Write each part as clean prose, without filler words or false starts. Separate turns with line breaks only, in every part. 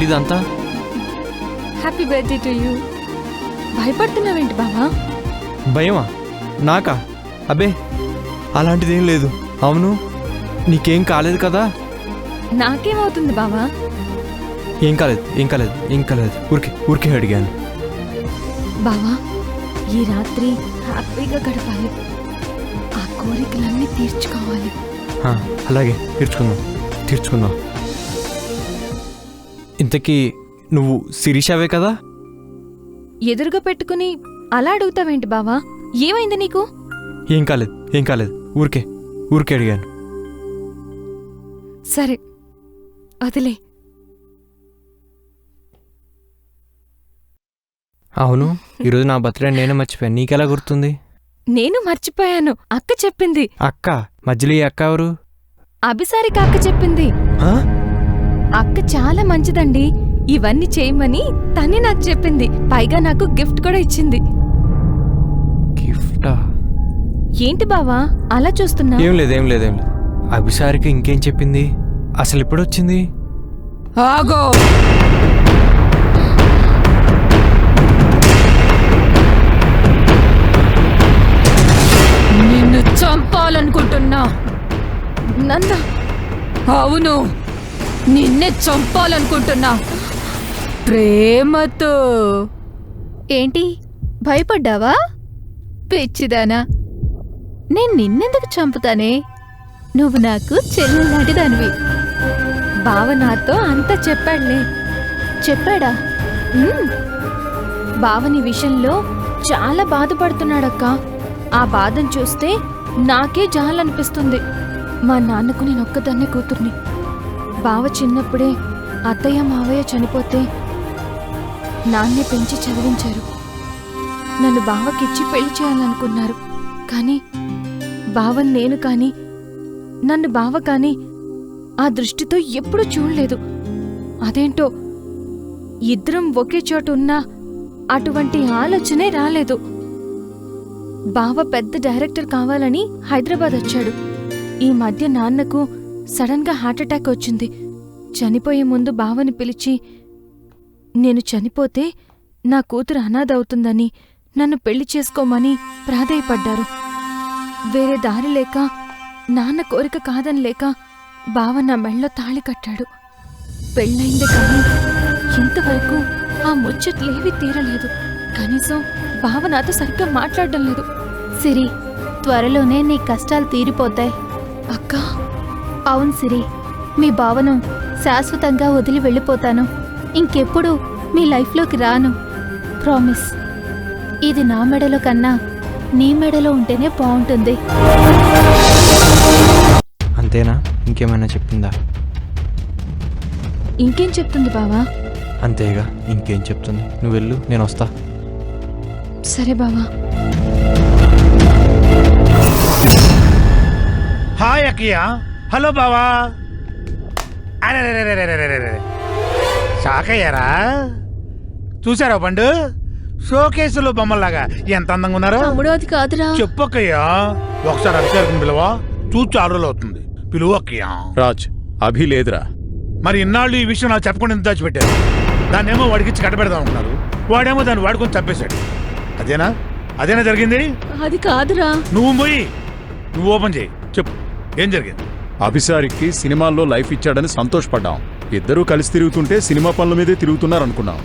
ఇదంతా?
Happy birthday to you. భయపడుతున్నావేంటి బావా?
భయమా? నాకా? అబ్బే అలాంటిదేం లేదు. అవును, నీకేం కాలేదు కదా?
నాకేమవుతుంది బావా?
ఏం కాలేదు, ఏం కాలేదు, ఏం కాలేదు. ఊరికే అడిగాను.
బావా, ఈ రాత్రి హ్యాపీగా గడపాలి. ఆ కోరికలన్నీ తీర్చుకోవాలి.
అలాగే తీర్చుకుందాం. ఇంతకీ నువ్వు శిరీషావే కదా?
ఎదురుగా పెట్టుకుని అలా అడుగుతావేంటి బావా? ఏమైంది నీకు?
ఏం కాలేదు. ఊరికే అడిగాను.
సరే వదిలే.
అవును, ఈరోజు నా బర్త్డే నేనే మర్చిపోయాను. నీకెలా గుర్తుంది?
నేను మర్చిపోయాను. అక్క చెప్పింది.
అక్క? మధ్యలో ఈ అక్క ఎవరు?
అభిసారిక అక్క చెప్పింది. అక్క చాలా మంచిదండి. ఇవన్నీ చేయమని తనే నాకు చెప్పింది. పైగా నాకు గిఫ్ట్ కూడా ఇచ్చింది.
గిఫ్టా?
ఏంటి బావా అలా చూస్తున్నా?
ఏం లేదు. అభిసారిక ఇంకేం చెప్పింది? అసలు ఎప్పుడొచ్చింది?
ఆగో! నిన్ను చంపాలనుకుంటున్నా. నన్న? అవును, నిన్నే చంపాలనుకుంటున్నా. ప్రేమతో. ఏంటి భయపడ్డావా? పిచ్చిదానా, నేను నిన్నెందుకు చంపుతానే? నువ్వు నాకు చెల్లెలాంటి దానివి. బావ నాతో అంతా చెప్పాడులే. చెప్పాడా? బావని విషయంలో చాలా బాధపడుతున్నాడక్క. ఆ బాధను చూస్తే నాకే జాలనిపిస్తుంది. మా నాన్నకు నేనొక్కదాన్నే కూతుర్ని. బావ చిన్నప్పుడే అత్తయ్య మావయ్య చనిపోతే నాన్నే పెంచి చదివించారు. నన్ను బావకిచ్చి పెళ్లి చేయాలనుకున్నారు. కానీ బావని నేను కాని, నన్ను బావ కాని ఆ దృష్టితో ఎప్పుడూ చూడలేదు. అదేంటో ఇద్దరం ఒకే చోటు ఉన్నా అటువంటి ఆలోచనే రాలేదు. బావ పెద్ద డైరెక్టర్ కావాలని హైదరాబాద్ వచ్చాడు. ఈ మధ్య నాన్నకు సడన్గా హార్ట్అటాక్ వచ్చింది. చనిపోయే ముందు బావని పిలిచి, నేను చనిపోతే నా కూతురు అనాథవుతుందని, నన్ను పెళ్లి చేసుకోమని ప్రాధేయపడ్డారు. వేరే దారి లేక, నాన్న కోరిక కాదని లేక బావ నా మెళ్ళో తాళి కట్టాడు. పెళ్ళయింది కానీ ఇంతవరకు ఆ ముచ్చట్లేవీ తీరలేదు. కనీసం బావ నాతో సరిగ్గా మాట్లాడడం లేదు.
సిరి, త్వరలోనే నీ కష్టాలు తీరిపోతాయి.
అక్కా?
అవును సిరి, మీ బావను శాశ్వతంగా వదిలి వెళ్ళిపోతాను. ఇంకెప్పుడు మీ లైఫ్లోకి రాను. ప్రామిస్. ఇది నా మెడలో కన్నా నీ మెడలో ఉంటేనే బాగుంటుంది.
అంతేనా? ఇంకేమైనా చెప్పిందా?
ఇంకేం చెప్తుంది బావా?
అంతేగా, ఇంకేం చెప్తుంది. నువ్వు వెళ్ళు, నేను వస్తా.
సరే బావా.
హాయ్ అక్కయ్య. హలో బావా. షాక్ అయ్యారా? చూసారా పండు? షోకేసులో బొమ్మల్లాగా ఎంత అందంగా ఉన్నారో.
అది కాదురా.
చెప్పు అక్కయ్య. ఒకసారి అభిషేకం పిలవా? చూసి 6 రోజులు అవుతుంది. పిలువు అక్కయ్య.
రాజ్, అభి లేదురా.
మరి ఇన్నాళ్ళు ఈ విషయం నాకు చెప్పకుండా ఎంత దాచిపెట్టారు? దాన్నేమో వాడికిచ్చి కట్టబెడదాం అనుకున్నారు. వాడేమో దాన్ని వాడుకొని చంపేశాడు. అదేనా జరిగింది?
అది కాదురా.
నువ్వు పోయి నువ్వు ఓపెన్ చేయి. చెప్పు, ఏం జరిగింది?
అభిసారికి సినిమాల్లో లైఫ్ ఇచ్చాడని సంతోషపడ్డాం. ఇద్దరూ కలిసి తిరుగుతుంటే సినిమా పనుల మీదే తిరుగుతున్నారనుకున్నాం.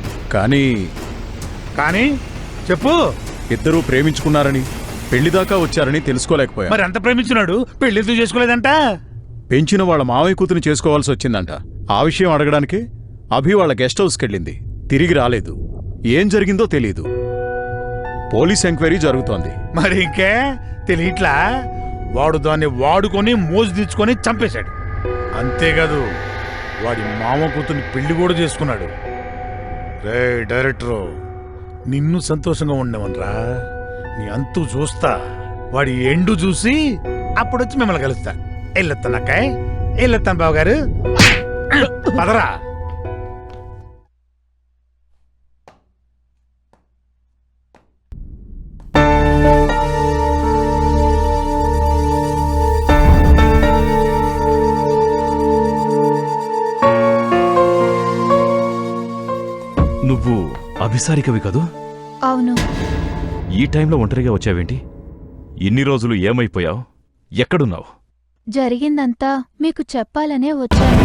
కానీ చెప్పు. ఇద్దరూ ప్రేమించుకున్నారని, పెళ్లిదాకా వచ్చారని తెలుసుకోలేకపోయా.
మరి అంత ప్రేమించున్నాడు, పెళ్లితో చేసుకోలేదంట.
పెంచిన వాళ్ళ మావయ్య కూతుని చేసుకోవాల్సి వచ్చిందంట. ఆ విషయం అడగడానికి అభి వాళ్ళ గెస్ట్ హౌస్కి వెళ్ళింది. తిరిగి రాలేదు. ఏం జరిగిందో తెలీదు. పోలీస్ ఎంక్వైరీ జరుగుతోంది.
మరి ఇంకే తెలియట్లా? వాడు దాన్ని వాడుకొని మోజు తీర్చుకొని చంపేశాడు. అంతేకాదు, వాడి మామ కూతుర్ని పెళ్లి కూడా చేసుకున్నాడు. రే డైరెక్టరు, నిన్ను సంతోషంగా ఉండవనరా. నీ అంతు చూస్తా. వాడి ఎండు చూసి అప్పుడొచ్చి మిమ్మల్ని కలుస్తా. వెళ్ళొస్తానక్కాయ్, వెళ్ళొస్తాను బావగారు. పదరా.
నువ్వు అభిసారికవి కదూ?
అవును.
ఈ టైంలో ఒంటరిగా వచ్చావేంటి? ఇన్ని రోజులు ఏమైపోయావు? ఎక్కడున్నావు?
జరిగిందంతా మీకు చెప్పాలనే వచ్చాను.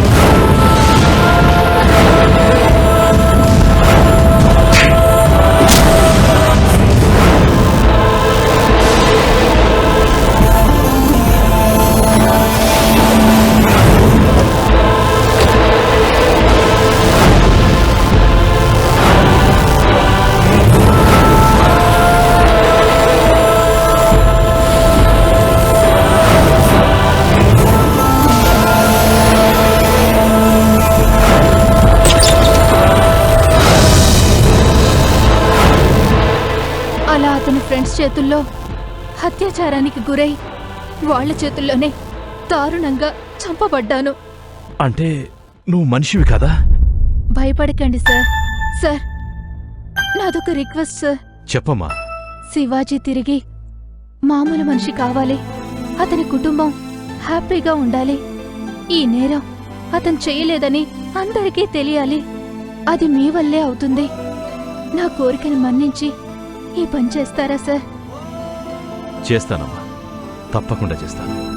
అలా అతని ఫ్రెండ్స్ చేతుల్లో అత్యాచారానికి గురై వాళ్ళ చేతుల్లోనే దారుణంగా చంపబడ్డాను.
అంటే నువ్వు మనిషివి కదా?
భయపడకండి సార్. సార్, నాదొక రిక్వెస్ట్ సార్.
చెప్పమ్మా.
శివాజీ తిరిగి మామూలు మనిషి కావాలి. అతని కుటుంబం హ్యాపీగా ఉండాలి. ఈ నేరం అతను చేయలేదని అందరికీ తెలియాలి. అది మీ వల్లే అవుతుంది. నా కోరికను మన్నించి ఈ పని చేస్తారా సార్?
చేస్తానమ్మా, తప్పకుండా చేస్తాను.